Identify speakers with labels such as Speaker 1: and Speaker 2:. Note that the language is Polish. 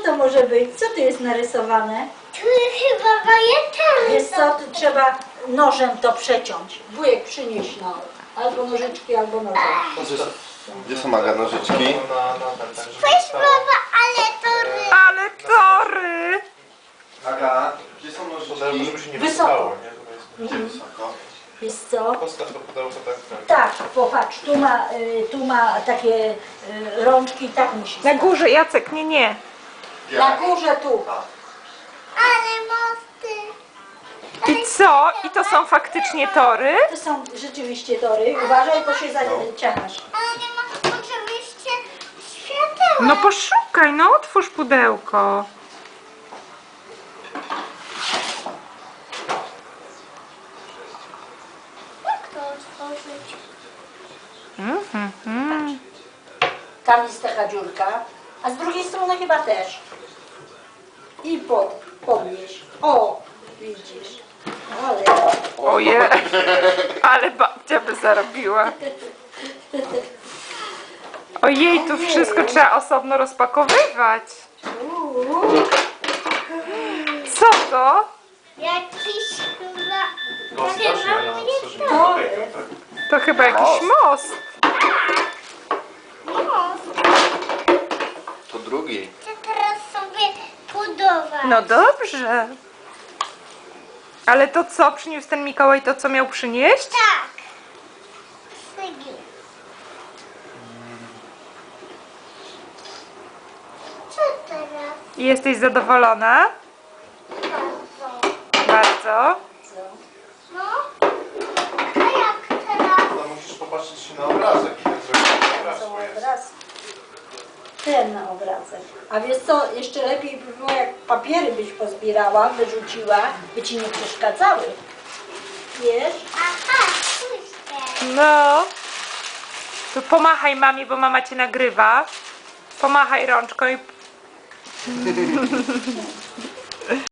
Speaker 1: to może być? Co tu jest narysowane?
Speaker 2: Tu chyba wajeczary.
Speaker 1: Wiesz co, tu trzeba nożem to przeciąć. Wujek przynieś no, albo nożyczki, albo nożem.
Speaker 3: Gdzie są Aga nożyczki?
Speaker 2: Weź baba, ale to
Speaker 4: Ale tory!
Speaker 3: Aga, gdzie są nożyczki?
Speaker 5: Żeby się nie
Speaker 1: Wysoko.
Speaker 5: wysypało, nie? Żeby
Speaker 3: Wysoko.
Speaker 1: Wiesz co?
Speaker 5: postaw to pudełko tak.
Speaker 1: Tak, popatrz, tu ma takie rączki i tak musi
Speaker 4: Na
Speaker 1: stać.
Speaker 4: górze, Jacek, nie, nie.
Speaker 1: Na górze tu.
Speaker 2: ale mosty.
Speaker 4: I co? I to są faktycznie tory?
Speaker 1: To są rzeczywiście tory. Uważaj, bo się zaciągasz.
Speaker 2: Ale nie ma oczywiście świateła.
Speaker 4: No poszukaj, no otwórz pudełko.
Speaker 2: Jak to otworzyć?
Speaker 1: Tam jest taka dziurka, a z drugiej strony chyba też. I podnieś. O, widzisz. Ale
Speaker 4: Oje, ale babcia by zarobiła. Ojej, tu wszystko trzeba osobno rozpakowywać. Co to?
Speaker 2: Jakiś chyba...
Speaker 5: No strasznie, ja mam stworzyć
Speaker 1: tory.
Speaker 4: To chyba jakiś most.
Speaker 2: Most.
Speaker 3: To drugi.
Speaker 2: Chcę teraz sobie budować.
Speaker 4: No dobrze. Ale to co, przyniósł ten Mikołaj to, co miał przynieść?
Speaker 2: Tak. Sygi. Co teraz?
Speaker 4: I jesteś zadowolona?
Speaker 2: Bardzo.
Speaker 4: Bardzo.
Speaker 2: No. A jak teraz?
Speaker 5: No musisz popatrzeć się na obrazek i tak zrobić obraz,
Speaker 1: są
Speaker 5: bo jest.
Speaker 1: obraz. Ten na obrazek. A wiesz co, jeszcze lepiej by było, jak papiery byś pozbierała, wyrzuciła, by ci nie przeszkadzały. Wiesz?
Speaker 2: Aha, spójrzcie.
Speaker 4: No. Tu pomachaj mamie, bo mama cię nagrywa. Pomachaj rączką i